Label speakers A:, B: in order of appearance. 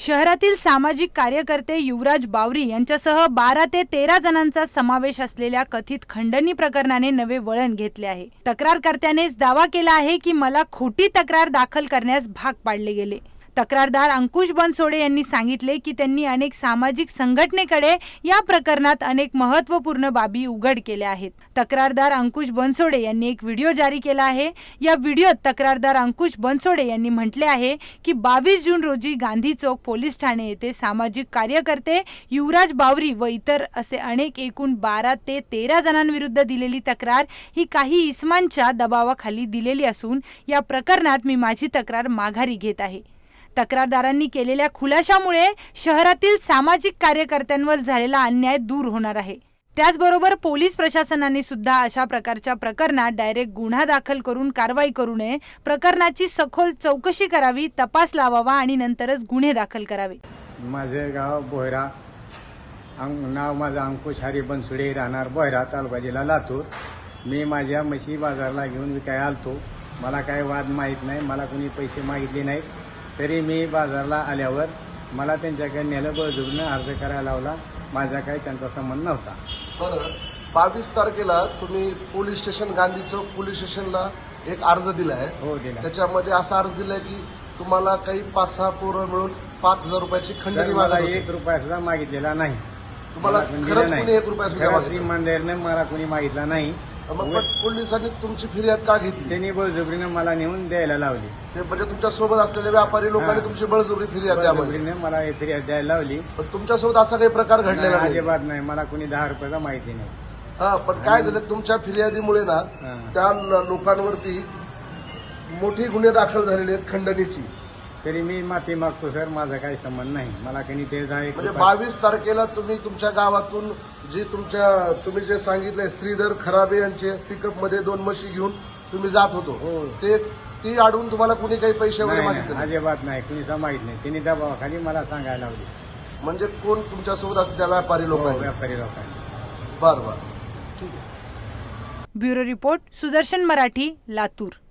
A: शहरातील सामाजिक कार्यकर्ते युवराज बावरी यांच्यासह 12 ते 13 जणांचा समावेश असलेल्या कथित खंडणी प्रकरणाने नवे वळण घेतले आहे। तक्रारकर्त्यानेच दावा केला आहे की मला खोटी तक्रार दाखल करण्यास भाग पाडले गेले। तक्रारदार अंकुश बनसोडे यांनी सांगितले की त्यांनी अनेक सामाजिक संघटनेकडे या प्रकरणात अनेक महत्त्वपूर्ण बाबी उघड केल्या आहेत। तक्रारदार अंकुश बनसोडे यांनी एक व्हिडिओ जारी केला आहे। या व्हिडिओत तक्रारदार अंकुश बनसोडे यांनी म्हटले आहे की 22 जून रोजी गांधी चौक पोलीस ठाणे येथे सामाजिक कार्यकर्ते युवराज बावरी व इतर असे अनेक एकूण 12 ते 13 जणांविरुद्ध दिलेली तक्रार ही काही इस्मांच्या दबावाखाली दिलेली असून या प्रकरणात मी माझी तक्रार माघारी घेत आहे। तक्रारदारांनी केलेल्या खुलाशामुळे शहरातील सामाजिक कार्यकर्त्यांवर झालेला अन्याय दूर होणार आहे। त्याचबरोबर पोलीस प्रशासनाने सुद्धा अशा प्रकारच्या प्रकरणात डायरेक्ट गुन्हा दाखल करून कारवाई करू नये, प्रकरणाची सखोल चौकशी करावी, तपास लावावा आणि नंतरच गुन्हे दाखल करावे।
B: माझे गाव बोहरा, नाव माझं अंकुश हरी बनसोडे, राहणार बोहरा, तालुका जिल्हा लातूर। मी माझ्या म्हशी बाजारला घेऊन विकायला आलतो। मला काय वाद माहीत नाही, मला कोणी पैसे मागितले नाहीत। तरी मी बाजारला आल्यावर मला त्यांच्याकडे नेलं, बळजबरीने अर्ज करायला लावला। माझा काही त्यांचा संबंध नव्हता।
C: बरं, 22 तारखेला तुम्ही police station, Gandhi Chowk police स्टेशनला एक अर्ज दिलाय।
B: हो, दिला।
C: त्याच्यामध्ये असा अर्ज दिलाय की तुम्हाला काही 5-6 पोरं मिळून 5000 रुपयाची खंडणी
B: मला
C: मागितली।
B: 1 रुपया सुद्धा मागितलेला नाही।
C: तुम्हाला खरंच कोणी 1 रुपया सुद्धा मागितला?
B: इमानदारीने मला कोणी मागितला नाही।
C: मग पोलिसांनी तुमची फिर्याद का घेतली?
B: त्यांनी बळजबरीने मला नेऊन द्यायला लावली।
C: ते म्हणजे तुमच्या सोबत असलेल्या व्यापारी लोकांनी तुमची बळजबरी फिर्याद द्यावी,
B: बळजबरीने मला फिर्याद द्यायला लावली।
C: पण तुमच्यासोबत असा काही प्रकार घडलेला नाही?
B: अजिबात नाही, मला कोणी 10 रुपयाचा माहिती नाही।
C: हा, पण काय झालं, तुमच्या फिर्यादीमुळे ना त्या लोकांवरती मोठी गुन्हे दाखल झालेले आहेत खंडणीची।
B: तरी मी माफी मागतो सर, माझा काही संबंध नाही। मला काही ते
C: म्हणजे 22 तारखेला तुम्ही तुमच्या गावातून जी तुम्ही जे सांगितलंय श्रीधर खराबे यांचे पिकअप मध्ये 2 म्हशी घेऊन तुम्ही जात होतो, ती अडवून तुम्हाला कुणी काही पैसे वगैरे मागितले?
B: अजिबात नाही, कुणीच माहित नाही। त्यांनी दबावाखाली मला सांगायला लावली।
C: म्हणजे कोण तुमच्यासोबत असते? त्या व्यापारी लोकांनी?
B: व्यापारी लोकांनी।
C: बरं, ठीक आहे।
A: Bureau report, Sudarshan Marathi, Latur.